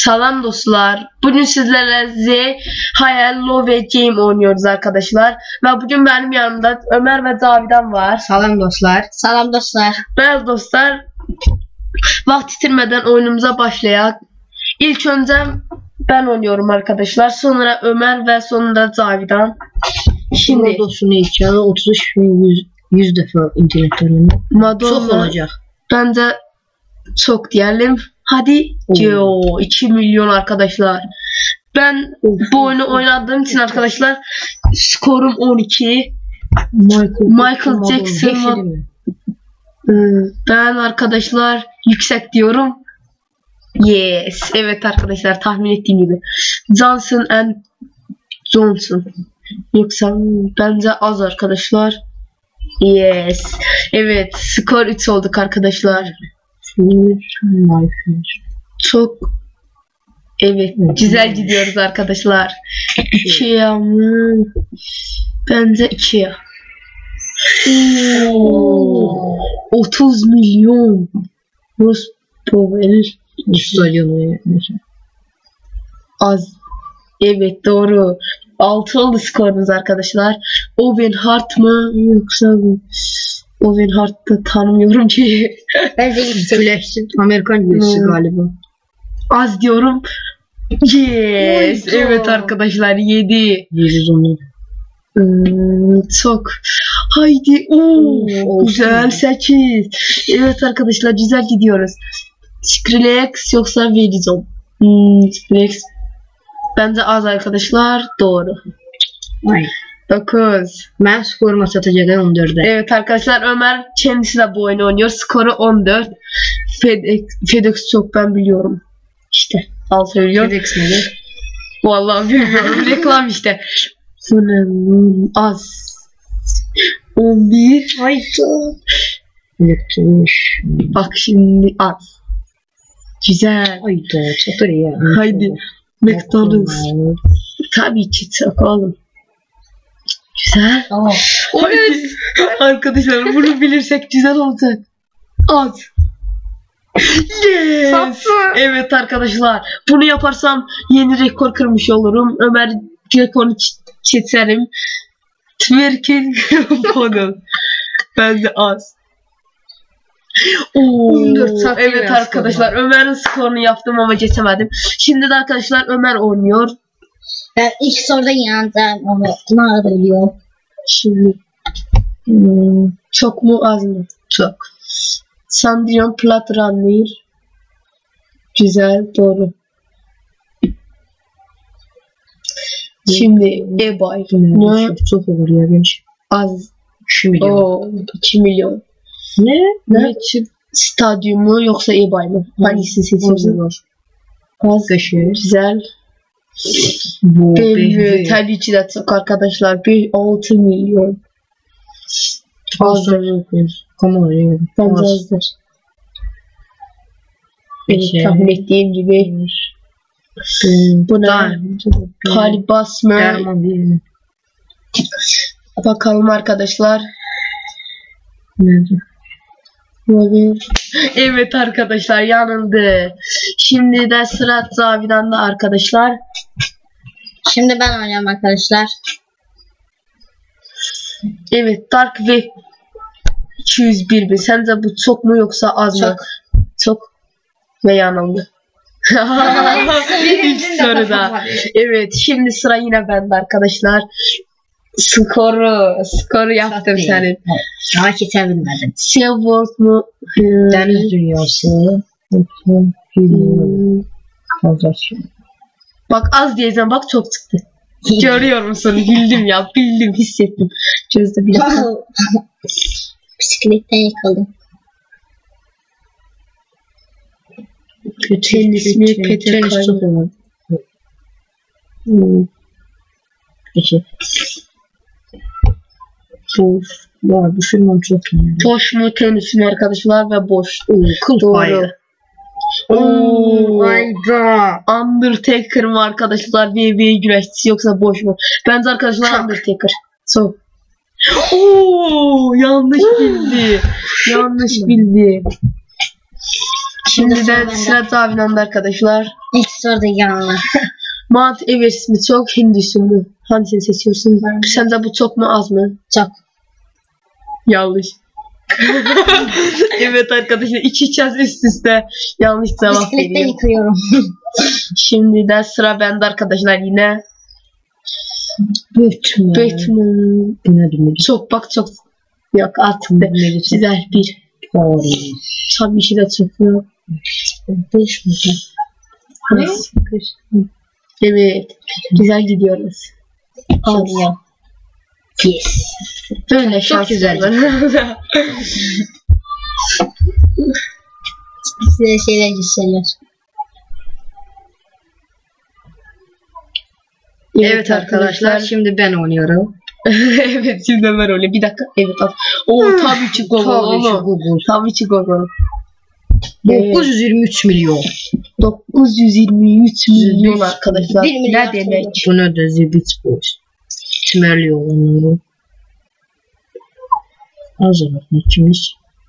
Salam dostlar. Bugün sizlerle Z Hayal Love Game oynuyoruz arkadaşlar. Ve bugün benim yanımda Ömer ve Cavidan var. Salam dostlar. Salam dostlar. Evet dostlar. Vaxt itirmeden oyunumuza başlayak. İlk önce ben oynuyorum arkadaşlar. Sonra Ömer ve sonra Cavidan. Şimdi Rodos'un heykelini 100 defa internetten oynadım. Çok olacak. Bence çok diyelim. Hadi. 2 milyon arkadaşlar. Ben bu oyunu oynadığım için arkadaşlar skorum 12. Michael Jackson. Ben arkadaşlar yüksek diyorum. Yes. Evet arkadaşlar, tahmin ettiğim gibi. Johnson and Johnson. Yoksa bence az arkadaşlar. Yes. Evet. Skor 3 olduk arkadaşlar. Çok evet, güzel gidiyoruz arkadaşlar. 2'ye mı? Bence 2'ye. 30 milyon. Rus Power. Az. Evet doğru. 6 oldu skorumuz arkadaşlar. Owen Hart mı yoksa Owen Hart'ı tanımıyorum ki. Bence yüksekleşsin. Amerikan birisi galiba. Az diyorum. Yes. Evet arkadaşlar 7. 110. Çok. Haydi. Güzel 8. Evet arkadaşlar güzel gidiyoruz. Skrillex yoksa Verizon. Skrillex. Bence az arkadaşlar. Doğru. 9. Ben skorumu satacağım 14'e. Evet arkadaşlar, Ömer kendisi de bu oyunu oynuyor. Skoru 14. FedEx çok ben biliyorum. İşte al söylüyorum. FedEx nedir? Vallahi bilmiyorum. Reklam işte. Az. 11. Hayda. Bak şimdi az. Güzel. Hayda. Çatır ya. Haydi. McDonald's. Tabii ki çok oğlum. Güzel. Tamam. Evet. Arkadaşlar bunu bilirsek güzel olacak. Az. Yes. Tatlı. Evet arkadaşlar. Bunu yaparsam yeni rekor kırmış olurum. Ömer rekoru çekerim. Twerking model. Bence az. 14 evet arkadaşlar, Ömer'in skorunu yaptım ama geçemedim. Şimdi de arkadaşlar Ömer oynuyor. Ben ilk soruda yandım ama ne da biliyorum. Şimdi çok mu az mı? Çok. Sandrion Plat Runner. Güzel, doğru. Şimdi eBay. Ne? Çok olur ya genç. Az. 2 milyon. 2 milyon. Ne? Stadyumu yoksa eBay mı? Hangisi seçiyorsun? Az. Güzel. Tabii ki de çok arkadaşlar. 6 milyon. Azdır. Bence azdır. Tahmin ettiğim gibi. Bu ne? Kalibas mı? Bakalım arkadaşlar. Evet arkadaşlar, yanıldı. Şimdi de sıra Cavidan'da arkadaşlar. Şimdi ben oynayacağım arkadaşlar. Evet, Dark ve 201 bin. Sence bu çok mu yoksa az mı? Çok ve yanıldı. İlk soruda. Evet, şimdi sıra yine bende arkadaşlar. Skoru yaptım senin. Daha kesebilmedim. Seaworld mu? Deniz dünyası. Bak az diyeceğim, bak çok çıktı. Görüyor musun? Bildim ya, bildim, hissettim. Çözdü bile. Bisikletten yakaladım. Tenis mi? Tenis çok olur. Boş. Ya düşünmem çok iyi. Boş mu tenis mi arkadaşlar ve boş. Doğru. Hayda. Undertaker mı arkadaşlar? WWE güreşçisi yoksa boş mu? Bence arkadaşlar Undertaker. So. Yanlış bildi. Yanlış bildi. Şimdi de sıra Cavidan'da arkadaşlar. İlk soruda yanlar. Mount Everest mi çok, Hindistan mı? Hangisini seçiyorsun? Sence bu çok mu az mı? Çok. Yanlış. Evet arkadaşlar, iki kez üst üste yanlış cevap Bisiklette veriyor. yıkıyorum. Şimdi de sıra bende arkadaşlar yine. Batman. Çok bak çok. Yok artık da güzel bir. Tabii ki de çok. Ne? Evet. Güzel gidiyoruz. Soruyor. Yes. Böyle şans güzel. Size şeyler gösteriyor. Evet arkadaşlar. Şimdi ben oynuyorum. Evet şimdi Ömer öyle. Bir dakika. Evet. Tabii ki Google. Tabii ki Google. 923 milyon. 923 milyon arkadaşlar. 1 milyar Ne demek? Bu ne de zibit boş. Tümerli olanları. Hazırlık ikimiz.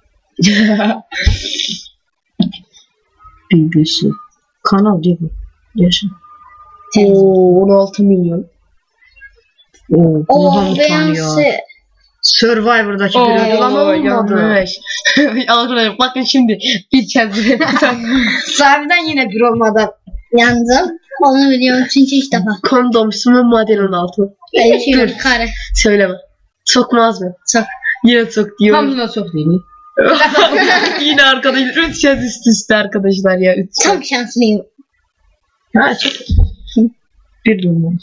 BBC. Kanal değil mi? Yaşa. 16 milyon. Muhammed tanıyor. Survivor'daki bir ödül ama olmadı. Yanlış. Arkadaşlar bakın şimdi bir kez. Sahibiden yine bir olmadan yandım. Onu biliyorum çünkü ilk defa. Kondom mu model 16. Dur. Kare. Söyleme. Çok mu az mı? Çok. Yine çok diyor. Hamdına çok değil mi? Yine arkadaşlar 3 kez üst üste arkadaşlar ya. 3 Çok şanslıyım. Ha çok. Bir durmaz.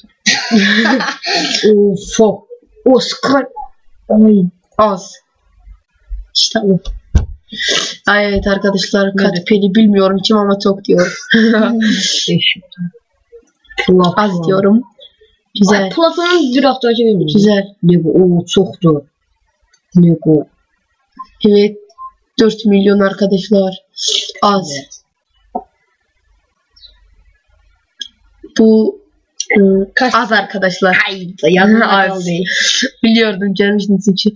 Ufo. Oscar. Ay. Az. İşte bu. Ay evet arkadaşlar kaç peni bilmiyorum kim ama çok diyor. Az diyorum. Güzel. Platon'un bir hafta önce bilmiyorum. Güzel. Ne bu? Çoktu. Ne bu? Evet. 4 milyon arkadaşlar. Az. Bu az arkadaşlar. Az. Biliyordum gelmiştiniz için.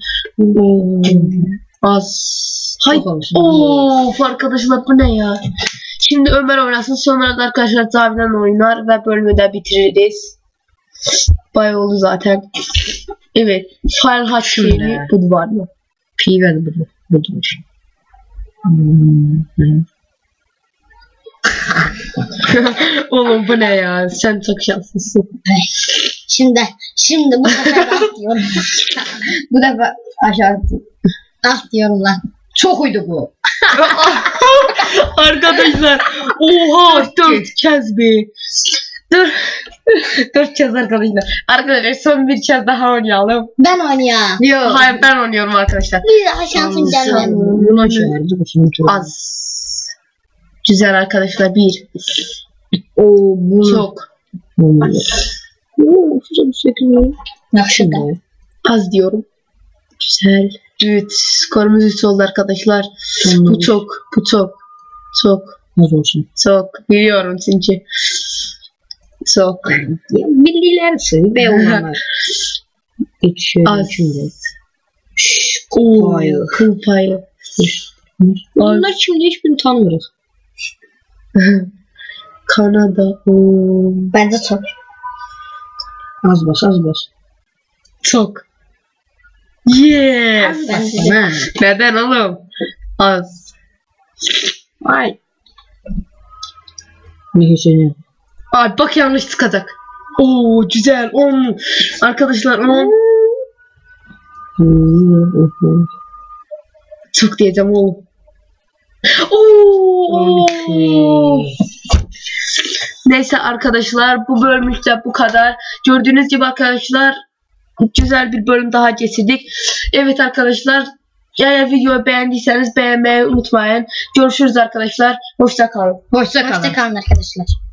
Az. Hay. Of arkadaşlar bu ne ya? Şimdi Ömer oynasın, sonra da arkadaşlar Cavidan oynar ve bölümü de bitiririz. Bayağı oldu zaten. Evet. Fahrenheit şeyi bu var mı? Pi ver bu. Budur. Oğlum bu ne ya? Sen çok şanslısın. Şimdi bu sefer ah diyorum. Bu defa aşağı attım. Ah diyorum lan. Çok uydu bu. Arkadaşlar. Oha 4 kez be. 4 kez arkadaşlar. Arkadaşlar son bir kez daha oynayalım. Ben oynayayım. Yok. Hayır ben oynuyorum arkadaşlar. Bir daha şansım gelmedi. Buna şöyle. Az. Güzel arkadaşlar 1. Bu çok. Az diyorum. Güzel. Evet. Skorumuz 3 oldu arkadaşlar. Bu çok. Az olsun. Çok. Biliyorum çünkü. Çok. Bildiler seni be onlar. Az. Kıl payı. Onlar şimdi hiçbirini tanımıyoruz. Kanada. Bence çok. Az bas. Çok. Yes. Neden oğlum? Az. Ay. Neyse. Ay bak yanlış çıkacak. Oo güzel 10. Arkadaşlar 10. Çok diyeceğim oğlum. Oo. Neyse arkadaşlar bu bölümümüzde bu kadar. Gördüğünüz gibi arkadaşlar güzel bir bölüm daha getirdik. Evet arkadaşlar eğer videoyu beğendiyseniz beğenmeyi unutmayın. Görüşürüz arkadaşlar. Hoşça kalın. Hoşça kalın arkadaşlar.